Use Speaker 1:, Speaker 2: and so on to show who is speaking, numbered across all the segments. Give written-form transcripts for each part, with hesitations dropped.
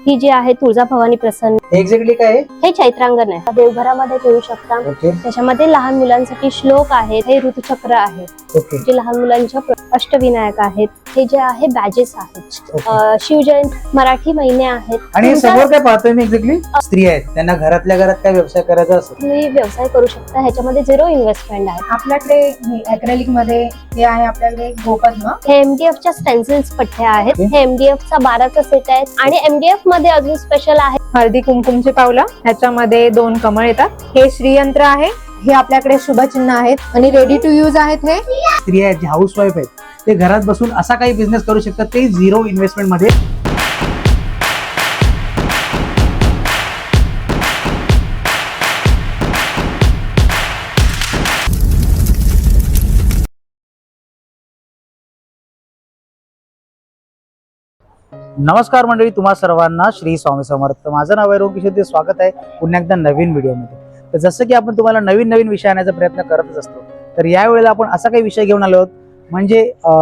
Speaker 1: ही जी आहे तुळजाभवानी प्रसन्न।
Speaker 2: एक्झॅक्टली काय आहे?
Speaker 1: हे चैत्रांगण आहे, देवघरामध्ये ठेवू शकता। त्याच्यामध्ये लहान मुलांसाठी श्लोक आहेत, हे ऋतुचक्र आहे, जे लहान मुलांच्या अष्टविनायक आहेत, हे जे आहे बॅजेस आहेत, शिवजयंती मराठी महिने आहेत।
Speaker 2: आणि समोर काय पाहतोय मी एक्झॅक्टली स्त्री आहेत, त्यांना घरातल्या घरात काय व्यवसाय करायचा असेल
Speaker 1: तुम्ही व्यवसाय करू शकता। ह्याच्यामध्ये 0 इन्व्हेस्टमेंट आहे।
Speaker 3: आपल्याकडे ॲक्रेलिक मध्ये हे आहे, आपल्याकडे गोपद्म,
Speaker 1: हे MDF च्या स्टेन्सिल्स पट्ट्या आहेत। हे MDF चा 12चा सेट आहे आणि MDF मध्ये अजून स्पेशल आहे
Speaker 3: हळदी कुंकुमचे पावलं, ह्याच्यामध्ये 2 कमळ येतात। हे श्रीयंत्र आहे, हे आपल्याकडे शुभचिन्ह आहेत आणि रेडी टू यूज आहेत। हे
Speaker 2: स्त्री आहेत जे हाऊस वाईफ आहेत, ते घरात बसून असा काही बिझनेस करू शकतात, ते 0 इन्व्हेस्टमेंट मध्ये। नमस्कार मंडळी, तुम्हा सर्वांना श्री स्वामी समर्थ। माझं नाव आहे रोहन किशोर, स्वागत आहे पुन्हा एकदा नवीन व्हिडिओमध्ये। तर जसं की आपण तुम्हाला नवीन नवीन विषय आणण्याचा प्रयत्न करतच असतो, तर यावेळेला आपण असा काही विषय घेऊन आलो आहोत, म्हणजे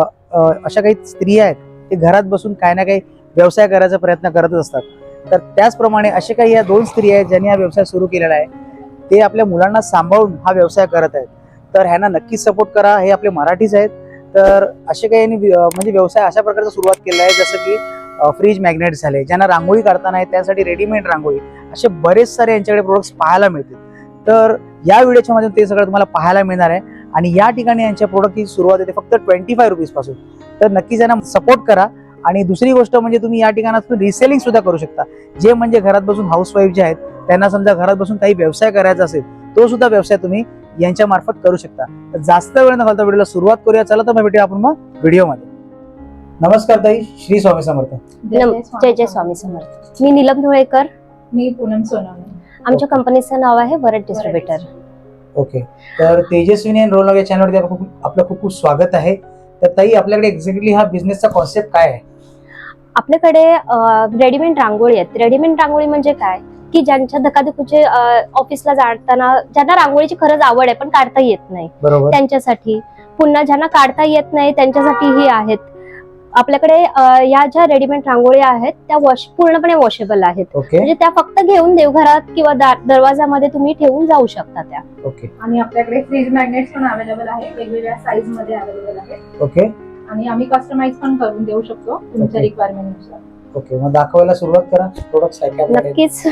Speaker 2: अशा काही स्त्रिया आहेत ते घरात बसून काही ना काही व्यवसाय करायचा प्रयत्न करतच असतात। तर त्याचप्रमाणे असे काही या 2 स्त्रिया आहेत ज्यांनी हा व्यवसाय सुरू केलेला आहे, ते आपल्या मुलांना सांभाळून हा व्यवसाय करत आहेत। तर ह्यांना नक्कीच सपोर्ट करा, हे आपले मराठीच आहेत। तर असे काही म्हणजे व्यवसाय अशा प्रकारचा सुरुवात केला आहे, जसं की फ्रीज मॅग्नेट झाले, ज्यांना रांगोळी काढता नाही त्यासाठी रेडीमेड रांगोळी, असे बरेच सारे यांच्याकडे प्रोडक्ट्स पाहायला मिळतील। तर या व्हिडिओच्या मध्ये ते सगळं तुम्हाला पाहायला मिळणार आहे। आणि या ठिकाणी यांच्या प्रोडक्टची सुरुवात आहे फक्त 25 रुपीज पासून। तर नक्कीच यांना सपोर्ट करा। आणि दुसरी गोष्ट म्हणजे तुम्ही या ठिकाणातून रिसेलिंग सुद्धा करू शकता, जे म्हणजे घरात बसून हाऊस वाईफ जे आहेत त्यांना समजा घरात बसून काही व्यवसाय करायचा असेल, तो सुद्धा व्यवसाय तुम्ही यांच्या मार्फत करू शकता। तर जास्त वेळ न घालता व्हिडिओला सुरुवात करूया। चला तर मग भेटूया आपण मग व्हिडिओमध्ये। नमस्कार ताई, श्री स्वामी समर्थ।
Speaker 1: जय जय स्वामी समर्थ। मी नीलम धुळेकर।
Speaker 3: मी पूनम सोनवणे।
Speaker 1: आमच्या कंपनीचं नाव आहे वरद डिस्ट्रीब्युटर।
Speaker 2: ओके, तर तेजस्विनी आणि रोल या चॅनलवरती आपलं खूप खूप स्वागत आहे। तर ताई, आपल्याकडे एक्झॅक्टली हा बिझनेसचा कॉन्सेप्ट काय आहे?
Speaker 1: आपल्याकडे रेडीमेड रांगोळी आहेत। रेडीमेड रांगोळी म्हणजे काय की ज्यांच्या धकाधकीचे ऑफिसला जाताना ज्यांना रांगोळीची खरंच आवड आहे पण काढता येत नाही, त्यांच्यासाठी। पुन्हा ज्यांना काढता येत नाही त्यांच्यासाठी ही आहेत आपल्याकडे या ज्या रेडीमेड रांगोळ्या आहेत त्या पूर्णपणे वॉशेबल आहेत। म्हणजे त्या फक्त घेऊन देवघरात किंवा दरवाजामध्ये तुम्ही ठेवून जाऊ शकता त्या।
Speaker 3: आणि आपल्याकडे फ्रीज मॅग्नेट्स पण अवेलेबल आहे, वेगवेगळ्या साईज मध्ये अवेलेबल आहे। आणि आम्ही कस्टमाइज पण करून देऊ शकतो तुमच्या रिक्वायरमेंट नुसार।
Speaker 2: ओके, मग दाखवायला सुरुवात करा प्रोडक्ट्स काय काय आहेत।
Speaker 1: नक्कीच।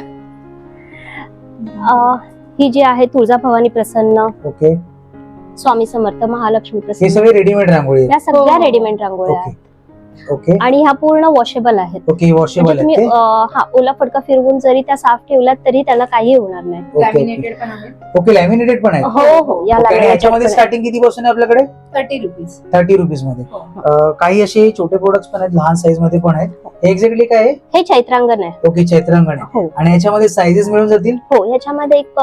Speaker 1: ही जी आहे तुळजाभवानी प्रसन्न, स्वामी समर्थ, महालक्ष्मी प्रसन्न,
Speaker 2: हे सगळे रेडीमेड रांगोळी आहेत।
Speaker 1: या सगळ्या रेडीमेड रांगोळ्या आहेत। आणि ह्या पूर्ण वॉशेबल आहेत।
Speaker 2: वॉशेबल
Speaker 1: तुम्ही ओला फडका फिरवून जरी त्या साफ ठेवल्यात तरी त्याला काही होणार नाही।
Speaker 3: लॅमिनेटेड पण आहे।
Speaker 2: लॅमिनेटेड पण आहे।
Speaker 1: हो हो,
Speaker 2: याच्यामध्ये स्टार्टिंग किती पासून आहे आपल्याकडे?
Speaker 3: 30 रुपीज।
Speaker 2: 30 रुपीज मध्ये। काही असे छोटे प्रोडक्ट्स पण आहेत, लहान साईज मध्ये पण आहेत। एक्झॅक्टली काय आहे?
Speaker 1: हे चैत्रांगण आहे।
Speaker 2: ओके, चैत्रांगण आहे। आणि याच्यामध्ये साइजेस मिळून जातील?
Speaker 1: हो, याच्यामध्ये एक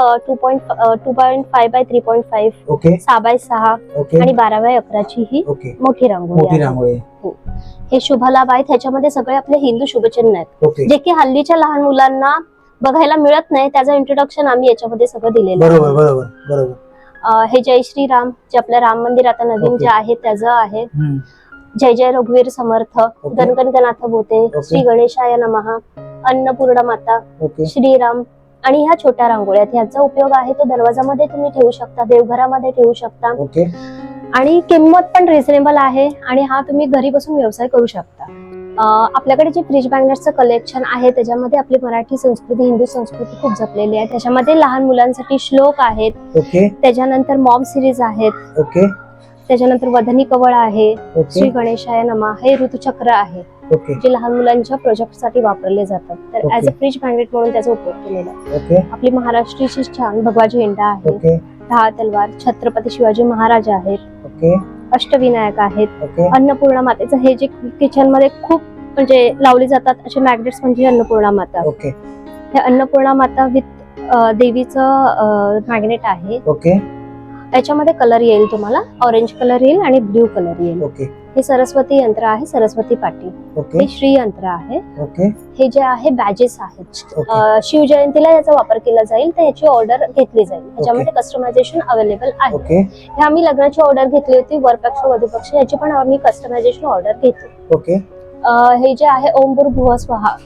Speaker 1: 2.5 बाय 3.5, 6 बाय 6 आणि 12 बाय 11 ची ही मोठी रांगोळी आहे। हे शुभ लाभ आहेत। ह्याच्यामध्ये सगळे आपले हिंदू शुभचिन्ह आहेत, जे की हल्लीच्या लहान मुलांना बघायला मिळत नाही, त्याचं इंट्रोडक्शन आम्ही याच्यामध्ये सगळं दिलेलं आहे। बरोबर। हे जय श्री राम, जे आपलं राम मंदिर आता नवीन जे आहे त्याचं आहे। जय जय रघुवीर समर्थ, गणगणनाथ बोते, श्री गणेशाय नमः, अन्नपूर्णा माता, श्रीराम। आणि ह्या छोट्या रांगोळ्या आहेत, ह्याचा उपयोग आहे तो दरवाजामध्ये तुम्ही ठेवू शकता, देवघरामध्ये ठेवू शकता। आणि किंमत पण रिझनेबल आहे आणि हा तुम्ही घरी बसून व्यवसाय करू शकता। आपल्याकडे जे फ्रीज मॅग्नेटचं कलेक्शन आहे त्याच्यामध्ये आपली मराठी संस्कृती, हिंदू संस्कृती खूप जपलेली आहे। त्याच्यामध्ये लहान मुलांसाठी श्लोक आहेत, त्याच्यानंतर मॉम सिरीज आहेत, त्याच्यानंतर वदनी कवळ आहे, श्री गणेशाय नमः, हे ऋतुचक्र आहे, जे लहान मुलांच्या प्रोजेक्ट साठी वापरले जातात। तर ऍज अ फ्रीज मॅग्नेट म्हणून त्याचा उपयोग केलेला आहे। आपली महाराष्ट्राची छान भगवा झेंडा आहे, 10 तलवार, छत्रपती शिवाजी महाराज आहेत, अष्टविनायक आहेत, अन्नपूर्णा मातेचं हे जे किचन मध्ये खूप म्हणजे लावली जातात असे मॅग्नेट्स म्हणजे अन्नपूर्णा माता। हे अन्नपूर्णा माता विथ देवीचं मॅग्नेट आहे। याच्यामध्ये कलर येईल, तुम्हाला ऑरेंज कलर येईल आणि ब्ल्यू कलर येईल। हे सरस्वती यंत्र आहे, सरस्वती पाटी। हे श्री यंत्र आहे। हे जे आहे बॅजेस आहेत, शिवजयंतीला याचा वापर केला जाईल, तर याची ऑर्डर घेतली जाईल। याच्यामध्ये कस्टमायझेशन अवेलेबल आहे। हे आम्ही लग्नाची ऑर्डर घेतली होती, वरपक्ष वधूपक्ष, याची पण आम्ही कस्टमायझेशन ऑर्डर घेतली। हे जे आहे ओम भूर्भुवः स्वहा,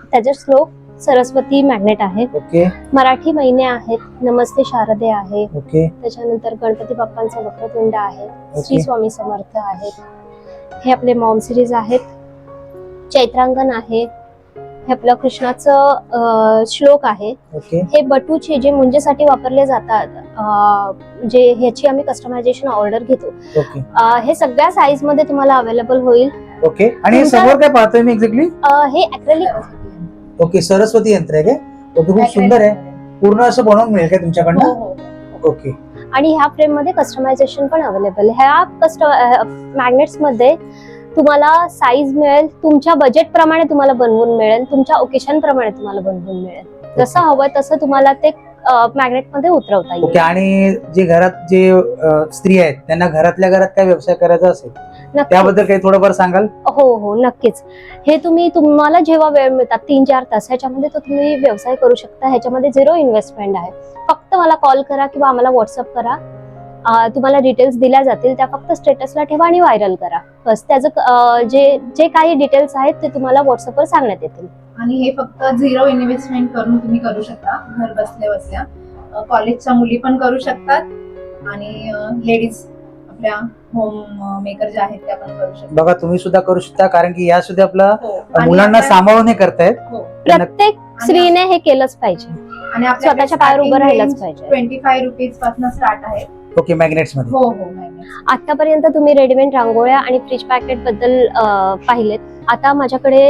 Speaker 1: त्याचे श्लोक सरस्वती मॅग्नेट आहे.
Speaker 2: ओके
Speaker 1: मराठी महिने आहेत, नमस्ते शारदे आहे.
Speaker 2: ओके
Speaker 1: त्याच्यानंतर गणपती बाप्पांचा वक्रतुंड आहे, श्री
Speaker 2: ओके.
Speaker 1: स्वामी समर्थ आहेत. हे आपले मॉम सिरीज आहेत. चैत्रांगण आहे. हे आपलं कृष्णाचं श्लोक आहे.
Speaker 2: ओके
Speaker 1: हे बटूचे जे मुंजेसाठी वापरले जातात, जे ह्याची आम्ही कस्टमायझेशन ऑर्डर घेतो.
Speaker 2: ओके
Speaker 1: हे सगळ्या साईज मध्ये तुम्हाला अवेलेबल होईल.
Speaker 2: ओके. आणि हे समोर काय पाहतोय मी एक्झॅक्टली?
Speaker 1: हे अॅक्रेलिक
Speaker 2: ओके, सरस्वती यंत्र आहे काय? ओके, खूप सुंदर आहे. पूर्ण असं बनवून मिळेल काय तुमच्याकडनं? ओके.
Speaker 1: आणि ह्या फ्रेम मध्ये कस्टमायझेशन पण अवेलेबल. ह्या मॅग्नेट्स मध्ये तुम्हाला साईज मिळेल, तुमच्या बजेट प्रमाणे तुम्हाला बनवून मिळेल, तुमच्या ओकेशन प्रमाणे तुम्हाला बनवून मिळेल. जसं हवं तसं तुम्हाला ते मॅग्नेट मध्ये उतरवता येईल.
Speaker 2: ओके. आणि जे घरात जे स्त्री आहेत त्यांना घरातल्या घरात काय व्यवसाय करायचा असेल त्याबद्दल काही थोडंफार सांगाल?
Speaker 1: हो हो नक्कीच. हे तुम्हाला जेव्हा वेळ मिळतात 3-4 तास, ह्याच्यामध्ये तो तुम्ही व्यवसाय करू शकता. ह्याच्यामध्ये 0 इन्व्हेस्टमेंट आहे. फक्त मला कॉल करा किंवा आम्हाला व्हॉट्सअप करा. तुम्हाला डिटेल्स दिल्या जातील, त्या फक्त स्टेटसला ठेवा आणि व्हायरल करा. बस त्याचं जे काही डिटेल्स आहेत ते तुम्हाला व्हॉट्सअपवर सांगण्यात येतील.
Speaker 3: आणि हे फक्त 0 इन्व्हेस्टमेंट करून तुम्ही करू शकता घर बसल्या बसल्या. कॉलेजच्या मुली पण करू शकतात आणि लेडीज आपल्या होम मेकर ज्या आहेत त्या पण करू शकतात.
Speaker 2: बघा, तुम्ही सुद्धा करू शकता, कारण की या सुद्धा आपल्या
Speaker 3: आणि
Speaker 2: मुलांना
Speaker 3: आपल्या-
Speaker 2: सांभाळून हे करतायत.
Speaker 1: प्रत्येक स्त्रीने हे केलंच पाहिजे.
Speaker 3: आणि आपल्याकडे
Speaker 1: स्वतःच्या पायावर उभं
Speaker 3: starting
Speaker 1: राहिलंच
Speaker 3: range
Speaker 1: पाहिजे.
Speaker 3: 25 रुपीज पासून स्टार्ट आहे.
Speaker 2: ओके, मॅग्नेट्स मध्ये.
Speaker 3: हो हो मॅग्नेट्स.
Speaker 1: आतापर्यंत तुम्ही रेडीमेड रांगोळ्या आणि फ्रीज पॅकेट बद्दल पाहिलेत. आता माझ्याकडे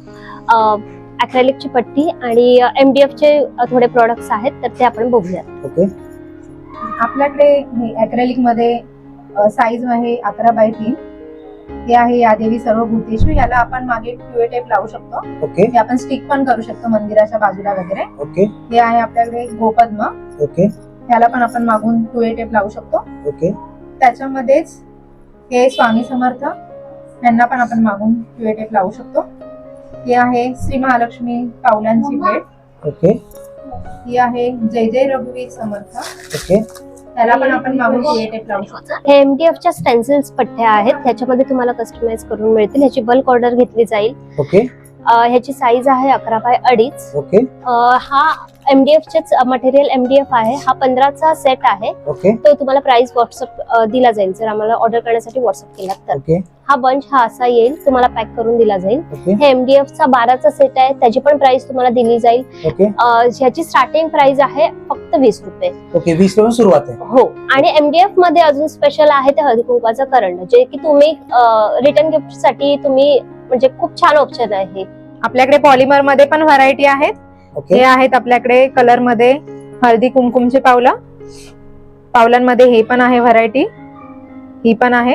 Speaker 1: अॅक्रेलिकची पट्टी आणि MDF चे थोडे प्रोडक्ट्स आहेत, तर ते आपण बघूयात.
Speaker 2: ओके
Speaker 3: आपल्याकडे अॅक्रेलिक मध्ये साईज आहे 11x3. हे आहे या देवी सर्व भूतेषु. याला आपण मागे QA टेप लावू शकतो.
Speaker 2: ओके
Speaker 3: हे आपण स्टिक पण करू शकतो मंदिराच्या बाजूला वगैरे.
Speaker 2: ओके
Speaker 3: हे आहे आपल्याकडे गोपद्म.
Speaker 2: ओके
Speaker 3: याला पण आपण मागून QA टेप लावू शकतो.
Speaker 2: ओके
Speaker 3: त्याच्यामध्येच हे स्वामी समर्थ, यांना पण आपण मागून QA टेप लावू शकतो. हे आहे श्री महालक्ष्मी पावलांची भेट.
Speaker 2: ओके
Speaker 3: ही आहे जय जय रघुवीर समर्थ.
Speaker 2: ओके
Speaker 3: त्याला पण आपण मागून QA टेप लावू शकतो.
Speaker 1: हे MDF च्या स्टेन्सिल्स पट्ट्या आहेत, त्याच्यामध्ये तुम्हाला कस्टमाइज करून मिळतील. ह्याची बल्क ऑर्डर घेतली जाईल.
Speaker 2: ओके
Speaker 1: ह्याची साईज आहे 11x2.5.
Speaker 2: ओके
Speaker 1: हा MDF चेच मटेरियल MDF आहे. हा 15चा सेट आहे.
Speaker 2: ओके
Speaker 1: तो तुम्हाला प्राइस व्हॉट्सअप दिला जाईल जर आम्हाला ऑर्डर करण्यासाठी व्हॉट्सअप केला तर.
Speaker 2: ओके
Speaker 1: हा बंच हा असा येईल, तुम्हाला पॅक करून दिला जाईल.
Speaker 2: ओके
Speaker 1: हे MDF चा 12चा सेट आहे, त्याची पण प्राइस तुम्हाला दिली जाईल.
Speaker 2: ओके
Speaker 1: ह्याची स्टार्टिंग प्राइस आहे फक्त 20 रुपये.
Speaker 2: ओके 20 पासून सुरुवात आहे.
Speaker 1: हो. आणि MDF मध्ये अजून स्पेशल आहे ते हळदी कुंकवाचं करंड, जे की तुम्ही रिटर्न गिफ्ट साठी तुम्ही म्हणजे खूप छान ऑप्शन आहे.
Speaker 3: आपल्याकडे पॉलिमर मध्ये पण व्हरायटी आहेत.
Speaker 2: ओके
Speaker 3: हे आहेत आपल्याकडे कलर मध्ये हळदी कुंकुमचे पावलं. पावलांमध्ये हे पण आहे व्हरायटी, ही पण आहे.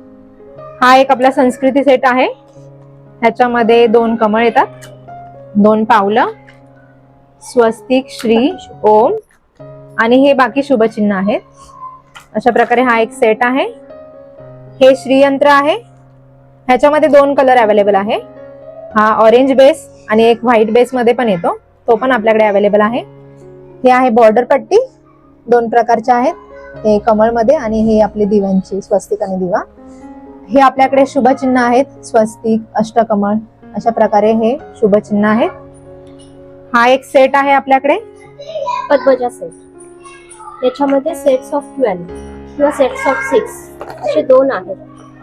Speaker 3: हा एक आपला संस्कृती सेट आहे. ह्याच्यामध्ये 2 कमळ येतात, 2 पावलं, स्वस्तिक, श्री, ओम आणि हे बाकी शुभचिन्ह आहेत. अशा प्रकारे हा एक सेट आहे. हे श्रीयंत्र आहे. ह्याच्यामध्ये 2 कलर अवेलेबल आहे. हा ऑरेंज बेस आणि एक व्हाईट बेस मध्ये पण येतो, तो पण आपल्याकडे अवेलेबल आहे. हे आहे बॉर्डर पट्टी, 2 प्रकारच्या आहेत. हे कमळ मध्ये आणि हे आपले दिव्यांची स्वस्तिक आणि दिवा. हे आपल्याकडे शुभचिन्ह आहेत, स्वस्तिक, अष्टकमळ, अशा प्रकारे हे शुभचिन्ह आहेत. हा एक सेट आहे आपल्याकडे
Speaker 1: पद्मजा सेट. याच्यामध्ये सेट्स ऑफ 12 किंवा सेट्स ऑफ 6 असे 2 आहेत.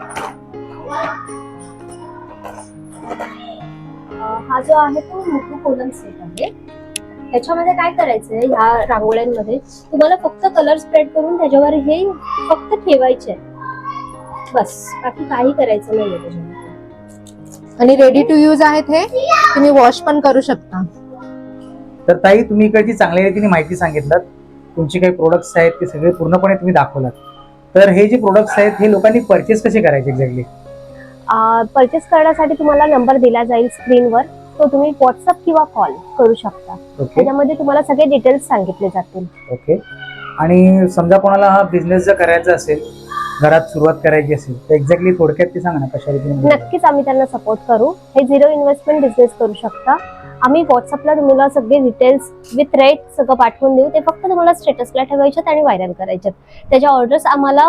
Speaker 1: हा जो आहे तो मुठू कोलम सेट आहे. ह्याच्यामध्ये काय करायचंय, ह्या रांगोळ्यांमध्ये तुम्हाला फक्त कलर स्प्रेड करून त्याच्यावर हे फक्त ठेवायचे आहे, बस. बाकी काही करायचं नाहीये त्याच्यामध्ये.
Speaker 3: आणि रेडी टू यूज आहेत. हे तुम्ही वॉश पण करू शकता.
Speaker 2: तर ताई, तुम्ही इकडची चांगल्या रीतीने माहिती सांगितलात. तुमचे काही प्रोडक्ट्स आहेत ते सगळे पूर्णपणे तुम्ही दाखवलात. तर हे जे प्रोडक्ट्स आहेत हे लोकांनी परचेस कसे करायचे एक्झॅक्टली?
Speaker 1: परचेस करण्यासाठी तुम्हाला नंबर दिला जाईल स्क्रीनवर, तो तुम्ही व्हॉट्सअप किंवा कॉल करू शकता.
Speaker 2: ओके
Speaker 1: त्याच्यामध्ये तुम्हाला सगळे डिटेल्स सांगितले जातील.
Speaker 2: ओके. आणि समजा कोणाला हा बिझनेस जर करायचा असेल, घरात सुरुवात करायची असेल, तर एक्झॅक्टली थोडक्यात ते सांगा ना कशा रीतीने.
Speaker 1: नक्कीच आम्ही त्यांना सपोर्ट करू. हे 0 इन्व्हेस्टमेंट बिझनेस करू शकता. आम्ही व्हॉट्सअपला तुम्हाला सगळे डिटेल्स विथ रेट सगळं पाठवून देऊ. ते फक्त तुम्हाला स्टेटसला ठेवायच्यात आणि व्हायरल करायच्यात. त्याच्या ऑर्डर्स आम्हाला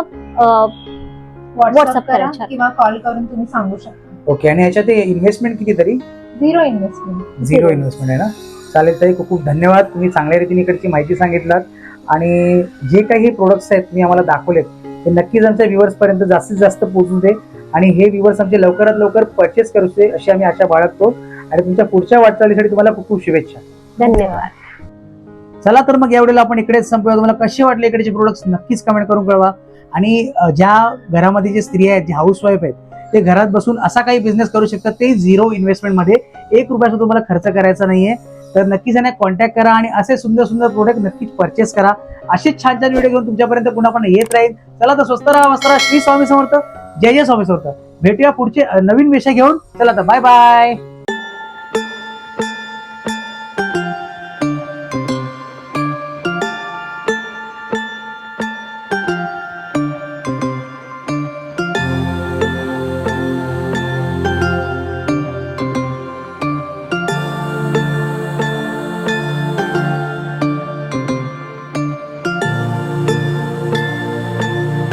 Speaker 3: व्हॉट्सअप
Speaker 1: WhatsApp
Speaker 3: करा
Speaker 1: करायच्या.
Speaker 3: किंवा कॉल करून तुम्ही सांगू शकता.
Speaker 2: ओके. आणि ह्याच्यात इन्व्हेस्टमेंट किती तरी?
Speaker 3: Zero investment.
Speaker 2: झिरो इन्व्हेस्टमेंट आहे ना. चालेल ताई, खूप खूप धन्यवाद. तुम्ही चांगल्या रीतीने इकडची माहिती सांगितलात आणि जे काही प्रोडक्ट्स आहेत तुम्ही आम्हाला दाखवलेत ते नक्कीच आमच्या व्ह्युअर्स पर्यंत जास्तीत जास्त पोहोचू दे आणि हे व्ह्युअर्स आमचे लवकरात लवकर परचेस करू दे अशी आम्ही आशा बाळगतो आणि तुमच्या पुढच्या वाटचालीसाठी तुम्हाला खूप खूप शुभेच्छा.
Speaker 1: धन्यवाद.
Speaker 2: चला तर मग यावेळेला आपण इकडेच संपूया. तुम्हाला कसे वाटले इकडेचे प्रोडक्ट्स नक्कीच कमेंट करून कळवा आणि ज्या घरामध्ये जे स्त्रिया आहेत, जे हाऊसवाईफ आहेत, ते घरात बसून असा काही बिझनेस करू शकतात ते झिरो इन्व्हेस्टमेंट मध्ये. 1 रुपयाचा तुम्हाला खर्च करायचा नाहीये. तर नक्कीच यांना कॉन्टॅक्ट करा आणि असे सुंदर सुंदर प्रोडक्ट नक्कीच परचेस करा. असेच छान छान व्हिडिओ घेऊन तुमच्यापर्यंत पुन्हा पण येत राहील. चला तर स्वस्त राहा, मस्त राहा. श्री स्वामी समर्थ. जय जय स्वामी समर्थ. भेटूया पुढचे नवीन विषय घेऊन. चला तर बाय बाय.